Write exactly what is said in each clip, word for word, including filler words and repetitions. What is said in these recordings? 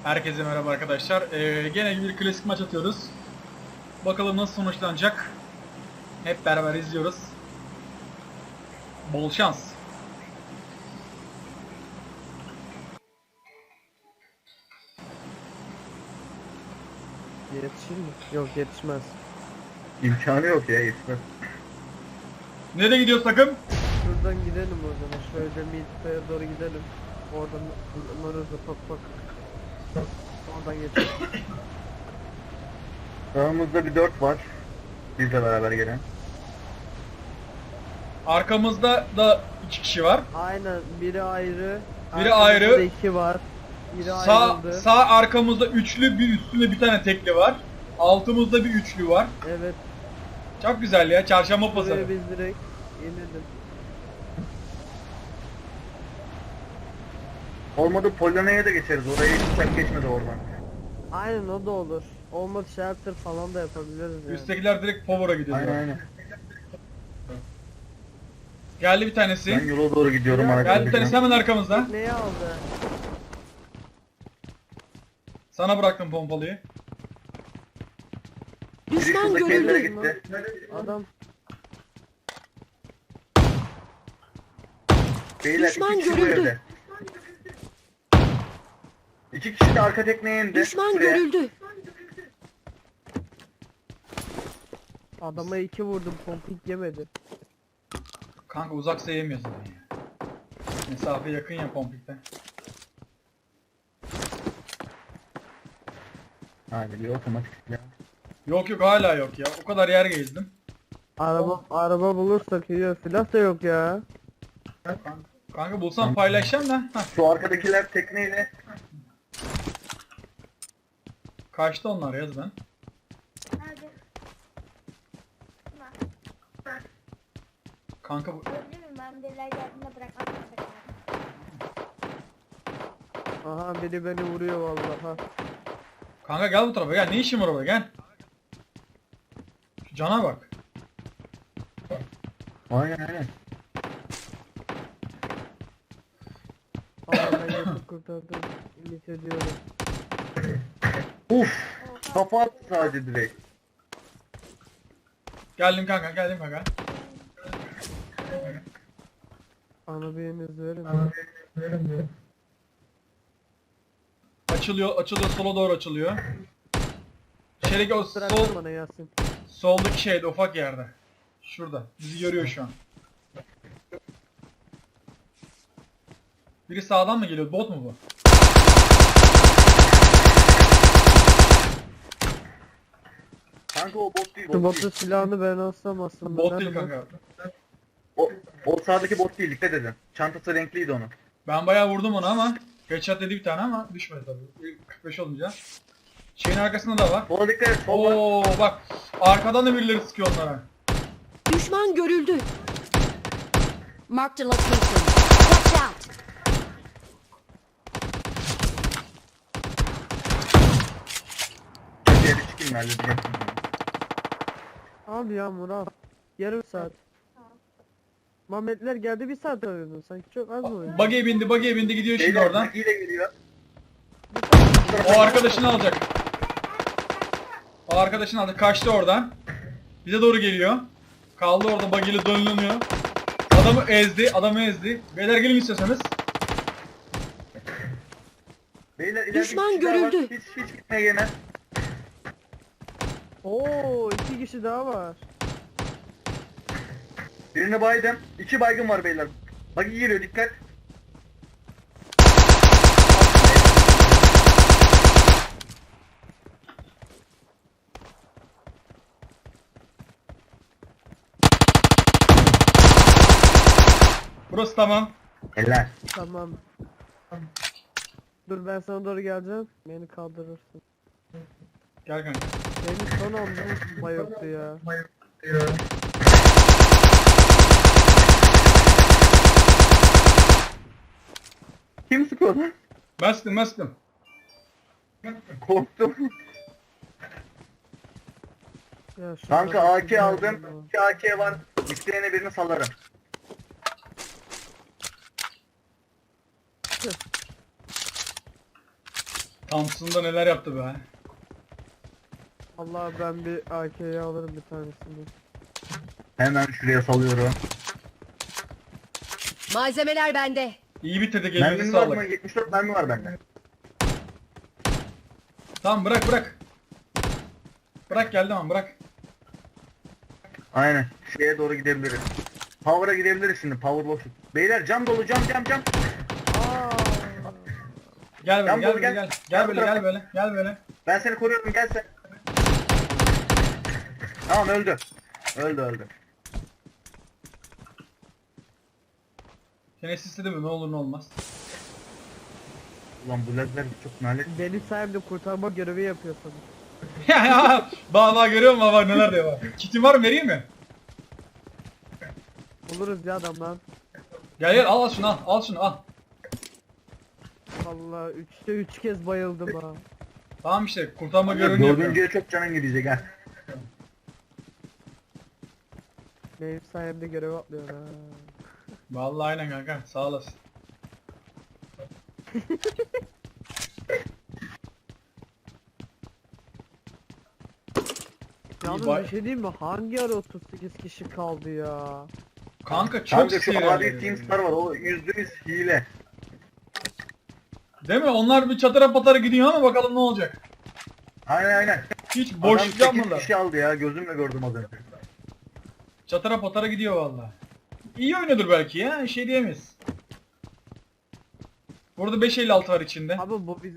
Herkese merhaba arkadaşlar. Ee, gene bir klasik maç atıyoruz. Bakalım nasıl sonuçlanacak. Hep beraber izliyoruz. Bol şans. Yetişir mi? Yok, yetişmez. İmkanı yok ya, yetmez. Nereye gidiyoruz takım? Şuradan gidelim o zaman. Şöyle Midpay'a doğru gidelim. Oradan Maruz'a pak pak. Oradan geçelim. Sağımızda bir dört var. Bizle beraber gelen. Arkamızda da iki kişi var. Aynen, biri ayrı. Biri arkamızda ayrı. da iki var. Biri Sağ ayrıldı. sağ arkamızda üçlü, bir üstünde bir tane tekli var. Altımızda bir üçlü var. Evet. Çok güzel ya. Çarşamba Buraya pazarı. biz direkt inelim. Olmadı Polonya'ya da geçeriz. Oraya hiç uçak geçmedi oradan. Aynen, o da olur. Olmadı shelter falan da yapabiliriz yani. Üsttekiler direkt Power'a gidiyor. Aynen aynen. Geldi bir tanesi. Ben yola doğru gidiyorum Ya, arkadaşlar. Geldi bir tanesi hemen arkamızda. Neyi aldı? Sana bıraktım pompalıyı. Biri Düşman şuradaki evlere görüldü. gitti. Adam Beyler Düşman iki kişi bu görüldü. evde. İki kişi de arka tekneye indi. Düşman Şuraya. görüldü. adama iki vurdum, pompik yemedi. Kanka uzaksa yemiyorsun ya. Mesafe yakın ya pompikte. Hadi bir otomatik ya. Yok yok hala yok ya. O kadar yer gezdim. Araba araba bulursak iyi. Silah da yok ya. Kanka, kanka bulsam paylaşacağım da. Heh, Şu arkadakiler tekneyle. kaçtı onlar yaz ben. Kanka bu... Gördün mü? Ben deliler geldiğinde bırakmak zorunda kaldım. Aha, biri beni vuruyor vallahi. Ha. Kanka gel bu tarafa gel. Ne işin var orada gel. Şu cana bak. Aynen aynen. Ama ben yapıp kurtardım. Ümit ediyorum. Uf. Kafa attı sadece direkt. Geldim kanka geldim kanka. Ana biriniz verin. Açılıyor açılıyor sola doğru açılıyor. İçerideki o Bırak sol, bana Yasin. soldaki şeyde ufak yerde. Şurada. Bizi görüyor şu an. Biri sağdan mı geliyor? Bot mu bu? Kanka o bot değil. Şu Bot botu değil. silahını ben alsam aslında. Bot Nerede değil bu? kanka. O, o sağdaki bot değil. Dikkat edin. Çantası renkliydi onun. Ben bayağı vurdum onu ama headshot dedi bir tane ama düşmedi tabii. kırk beş olunca. Şeyin arkasında da var. Sola dikkat et. Sol var. Oo bak arkadan da birileri sıkıyor onlara. Düşman görüldü. Marked a location. Watch out. Köşeye bir çıkayım halledeceğim. Abi ya Murat. Yarım saat. Muhammedler geldi, bir saat oynadı. Sanki çok az mı oynadı? Buggy'e bindi, buggy'e bindi gidiyor şimdi Beyler oradan. Maki de geliyor. O arkadaşını alacak. O arkadaşını aldı. Kaçtı oradan. Bize doğru geliyor. Kaldı orada buggy'li dönülüyor. Adamı ezdi, adamı ezdi. Beyler gelin istiyorsanız. Beyler ileride Düşman bir kişi daha var. görüldü. Hiç hiç gitmeye yemez. Oo, iki kişi daha var. Birini baydım. İki baygın var beyler. Bagi geliyor, dikkat. Burası tamam. Eller. Tamam. Dur, ben sana doğru geleceğim. Beni kaldırırsın. Gel kanka. Benim son anda bayıldı ya. Kim sıkıyor lan? Ben sıktım, ben sıktım. Korktum. Ya şu Kanka arada A K bir aldım. bayıldı. İki A K var. İsteyene birini salarım. Thompson'da neler yaptı be. Allah ben bir A K'yi alırım bir tanesini. Hemen şuraya salıyorum. Malzemeler bende. İyi bitirdi, elinize Mermin var mı? sağlık. yetmiş dört mermi var bende. Tamam bırak bırak. Bırak geldi ama bırak. Aynen. Şeye doğru gidebiliriz. Power'a gidebiliriz şimdi. Power boşluk. Beyler cam dolu, cam cam cam. Aa, Gel böyle Yan gel dolu, böyle gel. gel. Gel Yan böyle tarafa. gel böyle. Gel böyle. Ben seni koruyorum, gel sen. Tamam öldü. Öldü öldü. Seni istedim mi? Ne olur ne olmaz. Ulan bu ledler çok nalet. benim sayemde kurtarma görevi yapıyorsun. Ya ya. Bak bak görüyor musun bak neler diyor bak. Kitin var mı, vereyim mi? Buluruz ya adamdan. Gel gel al, al şunu al. Al şunu al. Allah üçte üç kez bayıldım ha. Tamam işte kurtarma görevini yapıyorum. Dördüncüye çok canın gidecek ha. Benim sayemde görev atlıyor ha. Vallahi aynen kanka, sağ olasın. Yalnız bay- bir şey diyeyim mi? Hangi ara otuz sekiz kişi kaldı ya? Kanka çok Kanka şu sinir adi edici. Teamstar var, o yüzde yüz hile. Değil mi? Onlar bir çatıra patara gidiyor ama bakalım ne olacak. Aynen aynen. Hiç Adam boşluk sekiz yapmadılar. kişi aldı ya, gözümle gördüm az önce. Çatıra patara gidiyor vallahi. İyi oynuyordur belki ya, şey diyemeyiz. Burada beş elli altı var içinde. Abi bu biz...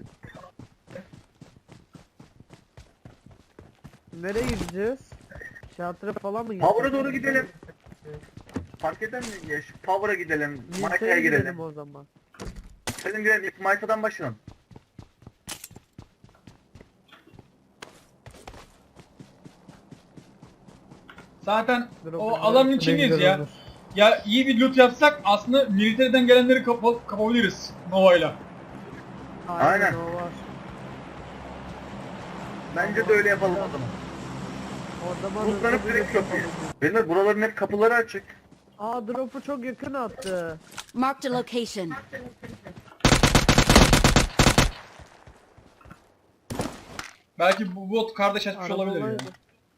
Nereye gideceğiz? Şatıra falan mı gideceğiz? Power'a doğru gidelim. Fark eder mi ya? Şu Power'a gidelim, Maika'ya Milita'ya gidelim gidelim. o zaman. Senin gidelim, ilk Maika'dan başlayalım. Zaten Dur, o kadar alanın ne içindeyiz güzel ya. olur. Ya iyi bir loot yapsak aslında militeriden gelenleri kapa kapabiliriz Nova'yla. Aynen, Aynen. o var. Bence de öyle yapalım o zaman. Orada bana Bulutlanıp hızlı direkt bir köprüye. yapalım. Benim buraların hep kapıları açık. Aa drop'u çok yakın attı. Marked a location. Belki bu bot kardeş açmış Araba olabilir ya. olaydı.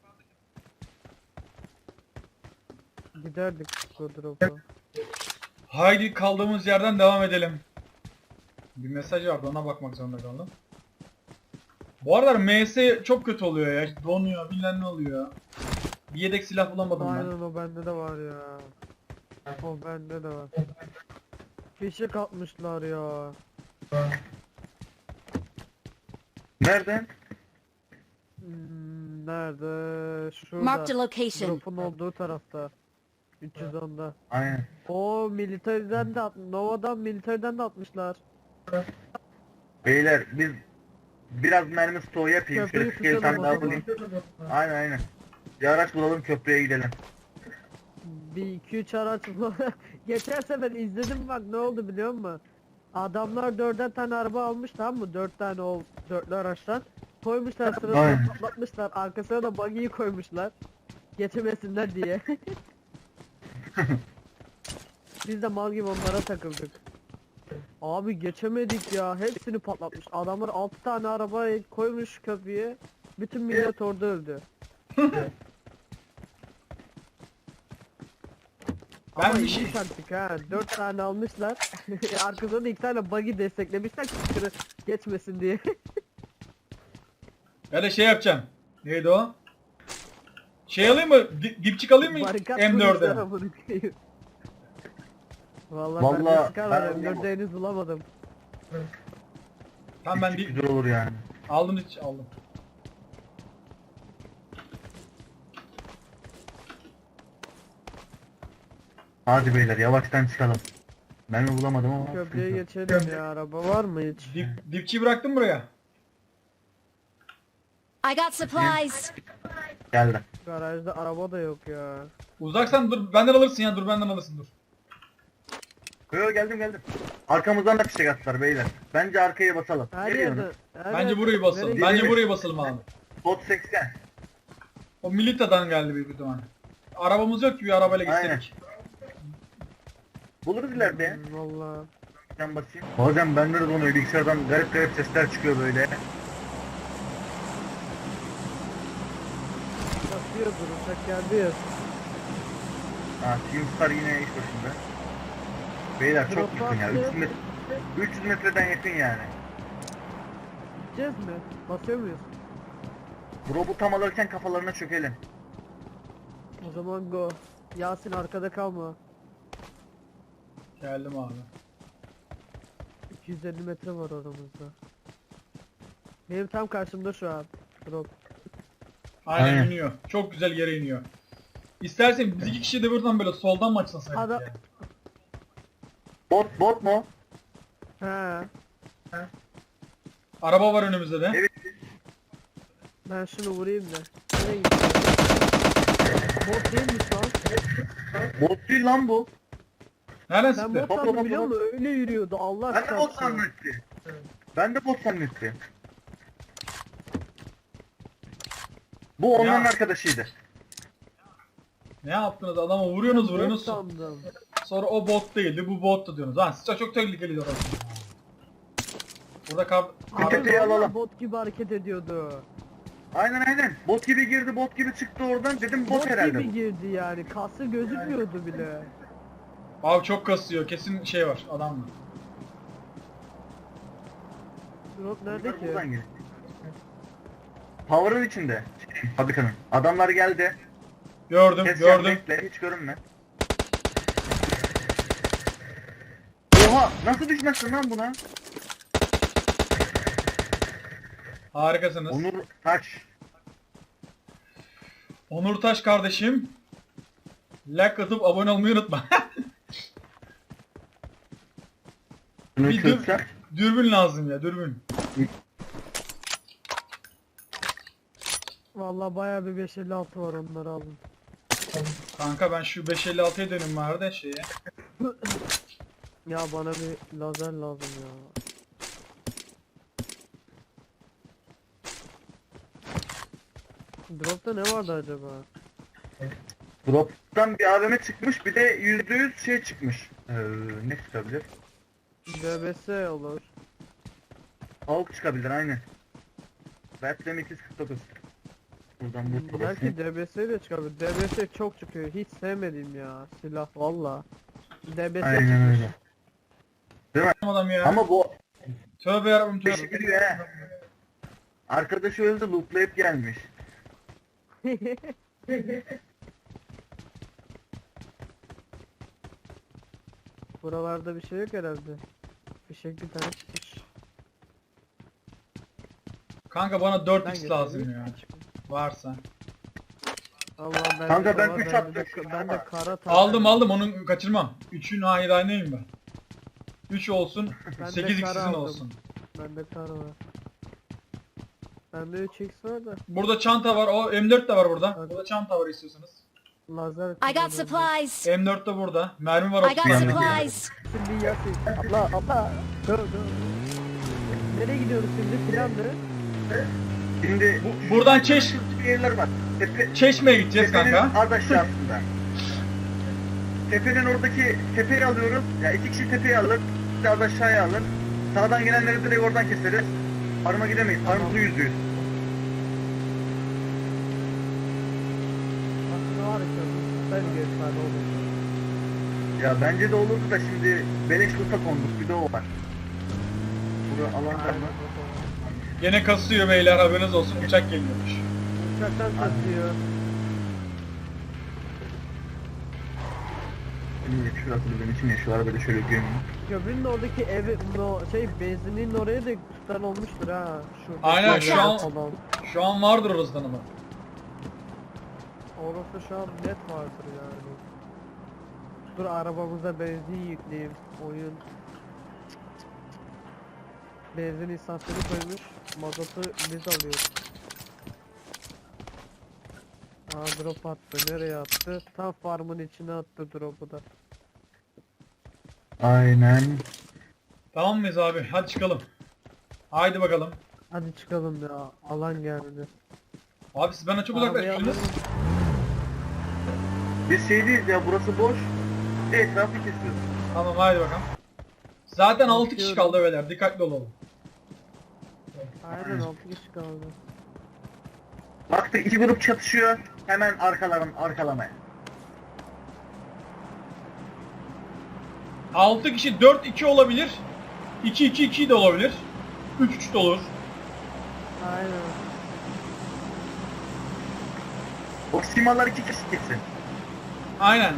Giderdik bu drop'u. Haydi kaldığımız yerden devam edelim. Bir mesaj vardı, ona bakmak zorunda kaldım. Bu aralar M S çok kötü oluyor ya. Donuyor, bilmem ne oluyor. Bir yedek silah bulamadım ben. Aynen o bende de var ya. O bende de var. Fişek atmışlar ya. Nereden? Hmm, nerede? Marked a Şurada. location. Drop'un olduğu tarafta. üç yüz onda. Aynen. O militeriden de at Nova'dan militeriden de atmışlar. Beyler biz biraz mermi stoğu yapayım. Köprüyü Şöyle fikir tutalım tane o daha zaman. bulayım. Aynen aynen. Bir araç bulalım, köprüye gidelim. Bir iki üç araç bu. Geçen sefer izledim bak ne oldu biliyor musun? Adamlar dörder tane araba almış tamam mı? Dört tane o dörtlü araçtan. Koymuşlar sırasına Aynen. patlatmışlar. Arkasına da buggy'yi koymuşlar. Geçemesinler diye. Biz de mal gibi onlara takıldık. Abi geçemedik ya. Hepsini patlatmış. Adamlar altı tane araba koymuş köprüye. Bütün millet orada öldü. Ben Ama bir iyi şey- taktik ha. Dört tane almışlar. Arkasına da iki tane buggy desteklemişler ki sıkırı geçmesin diye. Ya da şey yapacağım. Neydi o? Şey alayım mı? Di- Dipçik alayım mı? Barikat M kurmuşlar dörde. amına koyayım. Vallahi, Vallahi ben de sıkar var. ben- M dörde henüz bulamadım. Tamam ben Çok di- güzel olur yani. aldım hiç aldım. Hadi beyler yavaştan çıkalım. Mermi bulamadım ama. Köprüye sıkıntı yok. geçelim ya. Araba var mı hiç? Dip, dipçiyi bıraktım buraya. I got supplies. Geldi. Garajda araba da yok ya. Uzaksan dur benden alırsın ya, dur benden alırsın dur. Yo geldim geldim. Arkamızdan da fişek attılar beyler. Bence arkaya basalım. Her Ne diyorsun? yerde. her Bence yerde- burayı basalım. Nereye Bence gidelim? burayı basalım abi. Bot seksen. O Milita'dan geldi büyük ihtimalle. Arabamız yok ki bir arabayla Aynen. gitsek. Buluruz ileride ya. Hmm, Valla. Ben basayım. Bazen bende de donuyor. Bilgisayardan garip garip sesler çıkıyor böyle. Bakıyordur uçak geldi ya. Ha, Teamstar yine iş başında. Beyler çok Drop yakın ya. attı. üç yüz metre, üç yüz metreden yakın yani. Gideceğiz mi? Basıyor muyuz? Drop'u tam alırken kafalarına çökelim. O zaman go. Yasin arkada kalma. Geldim abi. iki yüz elli metre var aramızda. Benim tam karşımda şu an. Drop. Aynen, Aynen. iniyor. Çok güzel yere iniyor. İstersen biz iki kişi de buradan böyle soldan mı açılsaydık Adam- ya? Bot bot mu? He. Araba var önümüzde de. Evet. Ben şunu vurayım da. Nereye gidiyor? Bot değilmiş lan. Bot değil lan bu. Nereden Ben sıktı? bot Hop, hop, sandım hop, biliyor hop. musun? Öyle yürüyordu Allah Ben de bot çarpsın. zannetti. Ben de bot zannetti. Bu onların Ya. arkadaşıydı. Ne yaptınız? Adama vuruyorsunuz Bot vuruyorsunuz. sandım. Sonra o bot değildi, bu bottu diyorsunuz. Lan siz çok, çok tehlikeli orası. Burada kab... Bir Abi tepeyi vallahi alalım. bot gibi hareket ediyordu. Aynen aynen. Bot gibi girdi, bot gibi çıktı oradan. Dedim bot, Bot herhalde. gibi girdi yani. Kası gözükmüyordu bile. Abi çok kasıyor. Kesin şey var adamla. Drop Bunlar nerede ki? buradan geliyor. Power'ın içinde. Fabrikanın. Adamlar geldi. Gördüm, Kes gördüm. bekle, hiç görünme. Oha! Nasıl düşmezsin lan buna? Harikasınız. Onur Taş. Onur Taş kardeşim. Like atıp abone olmayı unutma. Bunu Bir dur. çözsem. Dürbün lazım ya, dürbün. Vallahi bayağı bir beş elli altı var onları aldım. Kanka ben şu beş elli altıya dönüm var da şeye. Ya bana bir lazer lazım ya. Drop'ta ne vardı acaba? Drop'tan bir A V M çıkmış, bir de yüzde yüz şey çıkmış. Ee, ne çıkabilir? D B S olur. Avuk çıkabilir, aynen. Battlem iki yüz kırk dokuz. Buradan bu Belki D B S de çıkabilir. D B S çok çıkıyor. Hiç sevmedim ya silah valla. D B S Aynen çıkmış. öyle. Adam ya. Ama bu Tövbe yarabbim beşi tövbe. biliyor he. Arkadaşı öldü, lootlayıp gelmiş. Buralarda bir şey yok herhalde. Bir şey bir tane çıkmış. Kanka bana dört Ben x getirdim. lazım ya. Varsa. Allah ben Kanka ben üç attım de, şuna ben de ama. kara taktım. Aldım aldım onu kaçırmam. üçün hahidaneyim ben. üç olsun, Ben de sekiz kara x'in aldım. olsun. Bende kara var. Bende üç x var da Burada çanta var. O M dört de var burada. Burada çanta var istiyorsanız. lazer I got kullanıyorum. supplies. M dört de burada. Mermi var I got otuz tane. supplies. Şimdi Yasin. Abla abla. Dur dur. Nereye gidiyoruz şimdi? Plan ne? Şimdi Bu- buradan Çeş, bir yerler var. Tepe, Çeşme'ye gideceğiz tepenin kanka. az aşağısında. Tepenin oradaki tepeyi alıyoruz. Ya iki kişi tepeyi alır, bir de az aşağıya alır. Sağdan gelenleri direkt oradan keseriz. Farma gidemeyiz. Farmımızı yüzde yüz. Aslında var ya. Ben gösterdi olur. Ya bence de olurdu da şimdi beleş loot'a konduk. Bir de o var. Burada alan var mı? Gene kasıyor beyler, haberiniz olsun, uçak geliyormuş. Uçaktan satıyor. Benim şurası da benim için yaşıyorlar böyle şöyle gömüyor. Köprünün oradaki evi, no, şey benzinin oraya da tutan olmuştur ha. Şu Aynen, şu an- falan. Şu an vardır orasından ama. Orası şu an net vardır yani. Dur arabamıza benzin yükleyeyim. Oyun. Benzin istasyonu koymuş. Mazotu biz alıyoruz. Aa drop attı. Nereye attı? Tam farmın içine attı drop'u da. Aynen. Tamam mıyız abi? Hadi çıkalım. Haydi bakalım. Hadi çıkalım ya. Alan geldi. Abi siz bana çok Arabayı uzaklaşmışsınız. alalım. Biz şey değiliz ya, burası boş. Bir de etrafı kesiyoruz. Tamam haydi bakalım. Zaten altı kişi Bakıyorum. kaldı beyler. Dikkatli olalım. Aynen altı kişi kaldı. Baktık iki grup çatışıyor. Hemen arkaların arkalamaya. altı kişi dört iki olabilir. iki iki iki de olabilir. üç üç de olur. Aynen. O simalar iki kişi gitsin. Aynen.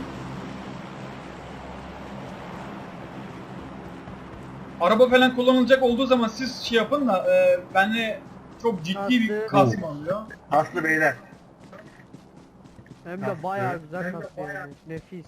Araba falan kullanılacak olduğu zaman siz şey yapın da e, benle çok ciddi bir Kastı. kasma oluyor. Aslı beyler. Hem de Kastı. bayağı güzel kastı yani. Nefis.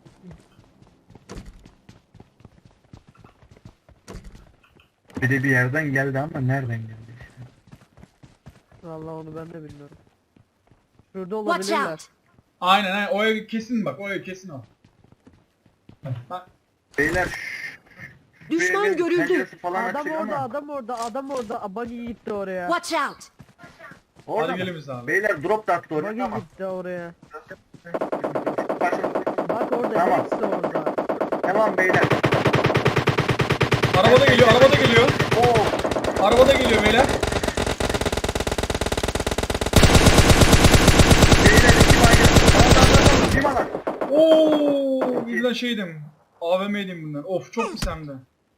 Bir de bir yerden geldi ama nereden geldi işte. Vallahi onu ben de bilmiyorum. Şurada Watch olabilirler. out! Aynen aynen. O ev kesin bak. O ev kesin o. Bak. Beyler şşş. Düşman Bir evin görüldü. penceresi falan Adam açık orada, ama. adam orada, adam orada. Abani gitti oraya. Watch out! Orada Hadi mı? gelin biz abi. Beyler drop da attı oraya. Bagi Tamam. gitti oraya. Başla. Bak orada, Tamam. hepsi orada. Tamam beyler. Araba da geliyor. Araba da geliyor. Oo. Araba da geliyor beyler. Beyler iki baygın. Tamam tamam tamam. Kim alan? Oo, birden şeydim. A V M'ydim bunlar. Of çok pis hem de.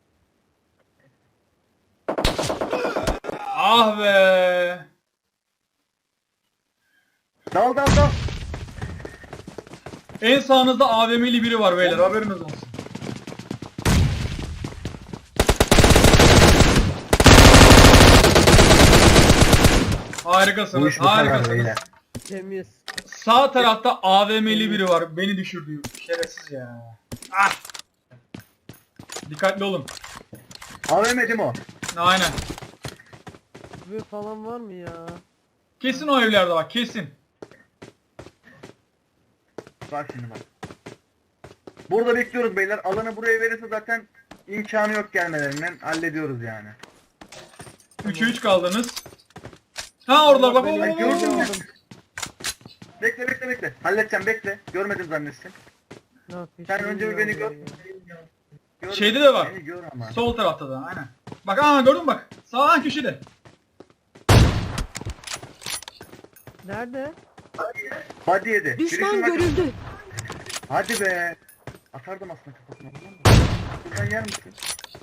Ah be. Dal dal dal. En sağınızda A V M'li biri var beyler. Haberiniz olsun. Bu Harikasınız. iş bu kadar Harikasınız. beyler. Temiz. Sağ tarafta A V M'li biri var. Beni düşürdü. Şerefsiz ya. Ah. Dikkatli olun. Avemedim o. Aynen. Bir falan var mı ya? Kesin o evlerde bak. Kesin. Bak şimdi bak. Burada bekliyoruz beyler. Alanı buraya verirse zaten imkanı yok gelmelerinden. Hallediyoruz yani. üçe üç kaldınız. Ha orada bak. Benim Ay, gördün mü? aldım. Bekle bekle bekle. Halledeceğim bekle. Görmedim zannetsin. Yok, hiç Sen önce bir beni bilmiyorum gör. ya. Gör Şeyde beni. de var. Beni gör ama. Sol tarafta da aynen. Bak aa gördün mü bak. Sağ köşede. Nerede? Hadi yedi. Düşman Birisi bak- görüldü. Hadi be. Atardım aslında kafasına. biliyor musun? Buradan yer misin?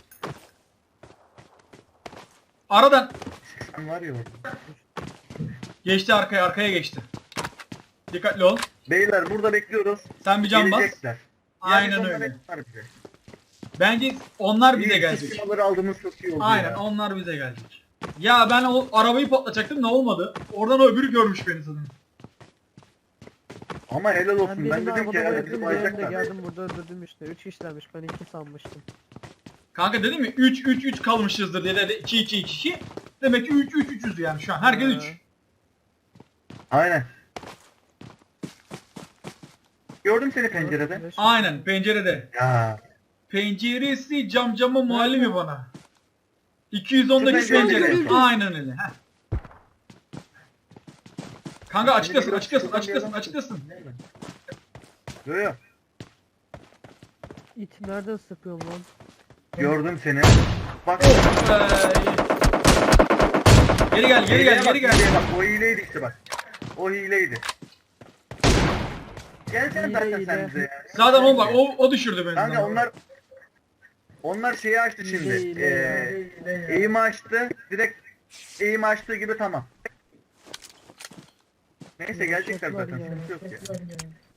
Aradan Sen var ya orada. geçti arkaya arkaya geçti. Dikkatli ol. Beyler burada bekliyoruz. Sen bir can bas. Gelecekler. Aynen Yani öyle. onlar bize. Bence onlar bize İyi, gelecek. simaları aldığımız çok iyi oldu Aynen ya. onlar bize gelecek. Ya ben o arabayı patlatacaktım ne olmadı. Oradan o öbürü görmüş beni sanırım. Ama helal Ben olsun. Ben, birini dedim ki arabada herhalde bizi bıraktım, diğerini de bayacaklar. geldim burada öldürdüm işte. üç işlemiş, ben iki sanmıştım. Kanka dedim mi üç üç üç kalmışızdır diye de iki iki iki. Demek ki üç üç üçüz yani şu an. Herkes Ha. üç. Aynen. Gördüm seni pencerede. Aynen pencerede. Ya. Penceresi cam cama muallimi bana. iki yüz ondaki Şu pencere pencere. görüldü. Aynen öyle. Heh. Kanka açıklasın Şuradan açıklasın bir açıklasın adam- açıklasın. Yo yo. İt nereden sıkıyorum lan? Gördüm seni. Bak. Oh be. Geri gel geri hileye gel bak, geri gel. hileye bak. O hileydi işte bak. O hileydi. Gelsene Hile, zaten hile. sen bize ya. Zaten o bak o, o düşürdü beni. Kanka zaten. onlar onlar şeyi açtı Hile, şimdi. hile Ee, ya. eğimi açtı. Direkt eğimi açtığı gibi tamam. Neyse gelecekler Çok var zaten. ya, Sıkıntı yok çok ya.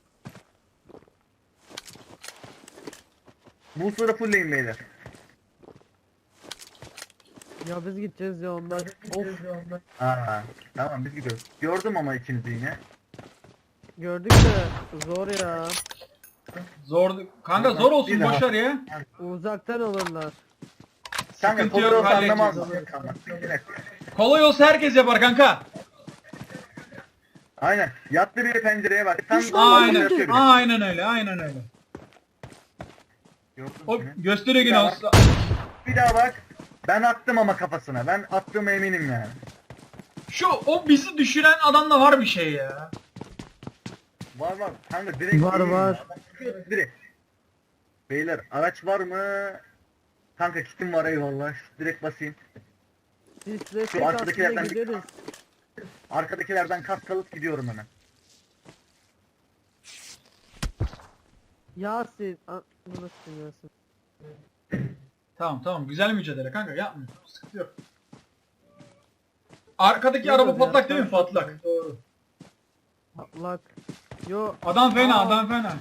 Bu sıra fullleyin beyler. Ya biz gideceğiz ya onlar. Of. Aa, tamam biz gidiyoruz. Gördüm ama ikinizi yine. Gördük de zor ya. Zor. Kanka zor olsun Bir daha. boşver ya. Uzaktan alırlar. Kanka Sıkıntı yok, kolay olsa halledeceğiz. anlamaz mı? Tamam. bir dakika. Kolay olsa herkes yapar kanka. Aynen. Yattı biri pencereye bak. Tam Düşman tam Aynen. yatıyor biri. Aynen öyle. Aynen öyle. Gördüm O seni. gösteriyor yine. Bir daha aslında. Bir daha bak. Ben attım ama kafasına. Ben attığıma eminim yani. Şu o bizi düşüren adamda var bir şey ya. Var var. Kanka direkt Var, değil. var. Adam çıkıyor direkt. Beyler araç var mı? Kanka kitim var eyvallah. Direkt basayım. Biz destek Şu arkadakilerden aslında bir- gideriz. Arkadakilerden kas kalıp gidiyorum hemen. Yasin. a- Bu nasıl Yasin? Tamam tamam güzel mücadele kanka yapmıyor. Sıkıntı yok. Arkadaki Yok araba ya, patlak değil mi? ben- Patlak. Doğru. Patlak. Yo. Adam fena Aa. adam fena.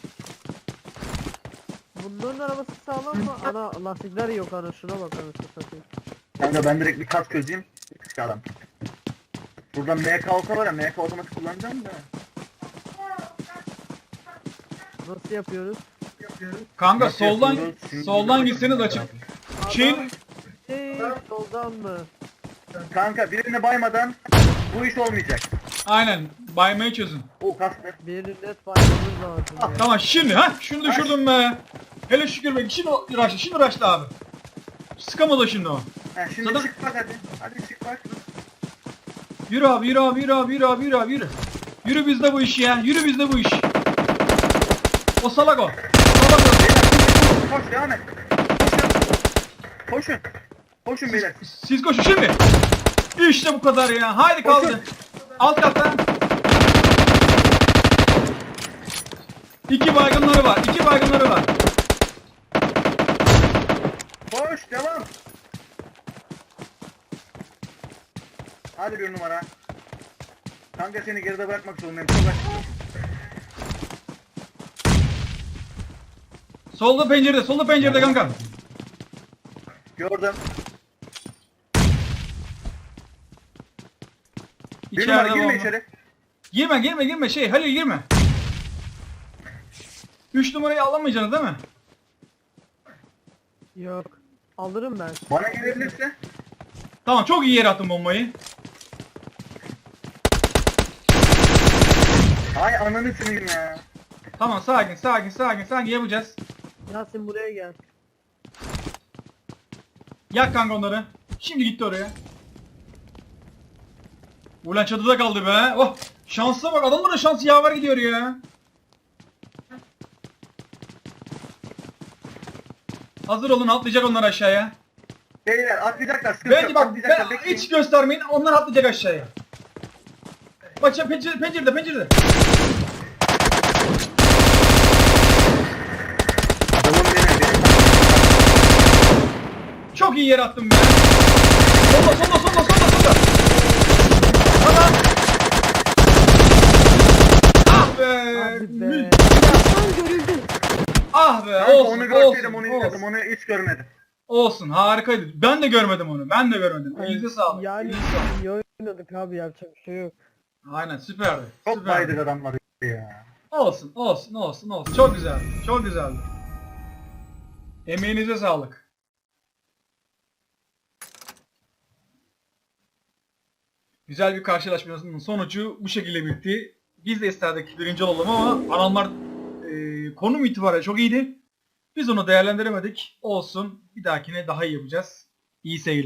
Bunların arabası sağlam mı? Ana lastikler yok ana şuna bak anasını satayım. Kanka ben direkt bir kas çözeyim. Çıkalım. Burada M K olsa var ya M K otomatik kullanacağım da. Nasıl yapıyoruz? Kanka Nasıl soldan yapıyoruz? Şimdi soldan bir- gitseniz açık. Çin Hey, soldan mı? Kanka birini baymadan bu iş olmayacak. aynen baymayı çözün. O kastı. Birini net baymamız lazım ya. Tamam şimdi ha şunu düşürdüm be. Hele şükür be şimdi uğraştı şimdi uğraştı abi. Sıkamadı şimdi o. Ha, şimdi Zaten- çık bak hadi. Hadi çık bak. Yürü abi yürü abi yürü abi yürü abi yürü abi yürü. Yürü bizde bu iş ya yürü bizde bu iş. O salak o. Salak o. Beyler koş devam et. Koşun. Koşun. Koşun beyler. Siz koşun şimdi. İşte bu kadar ya. Haydi kaldı. Koşun. Alt katta. İki baygınları var. İki baygınları var. Koş devam. Hadi bir numara. Kanka seni geride bırakmak zorundayım. Çok açık. Solda pencerede. Solda pencerede kanka. Gördüm. Bir İçeride numara girme bomba. içeri. Girme girme girme şey Halil girme. Üç numarayı alamayacaksınız değil mi? Yok. Alırım ben. Bana gelebilirse. Tamam çok iyi yere attın bombayı. Ay ananı sınayım ya. Tamam sakin sakin sakin sakin yapacağız. Yasin buraya gel. Yak kanka onları. Şimdi gitti oraya. Ulan çatıda kaldı be. Oh şansa bak adamların şansı yaver gidiyor ya. Hazır olun atlayacak onlar aşağıya. Beyler atlayacaklar. Sıkıntı Bence yok. bak Atlayacaklar. ben, Bekleyin. hiç göstermeyin onlar atlayacak aşağıya. Bak ya pencere, pencerede pencerede. Adamın beni. beni- Çok iyi yere attım be. Solda solda solda solda solda. Tamam. Ah be. Hadi be. Mü- Yasin görüldü. Ah be Kanka olsun onu olsun, görseydim onu olsun. izledim. Onu hiç görmedim. Olsun harikaydı. Ben de görmedim onu. Ben de görmedim. Elinize sağlık. Yani Elinize sağlık. iyi oynadık abi yapacak bir şey yok. Aynen süperdi. Çok süperdi. baydık adamları ya. Olsun olsun olsun olsun. Çok güzeldi. Çok güzeldi. Emeğinize sağlık. Güzel bir karşılaşmanın sonucu bu şekilde bitti. Biz de isterdik birinci olalım ama adamlar e, konum itibariyle çok iyiydi. Biz onu değerlendiremedik. Olsun. Bir dahakine daha iyi yapacağız. İyi seyirler.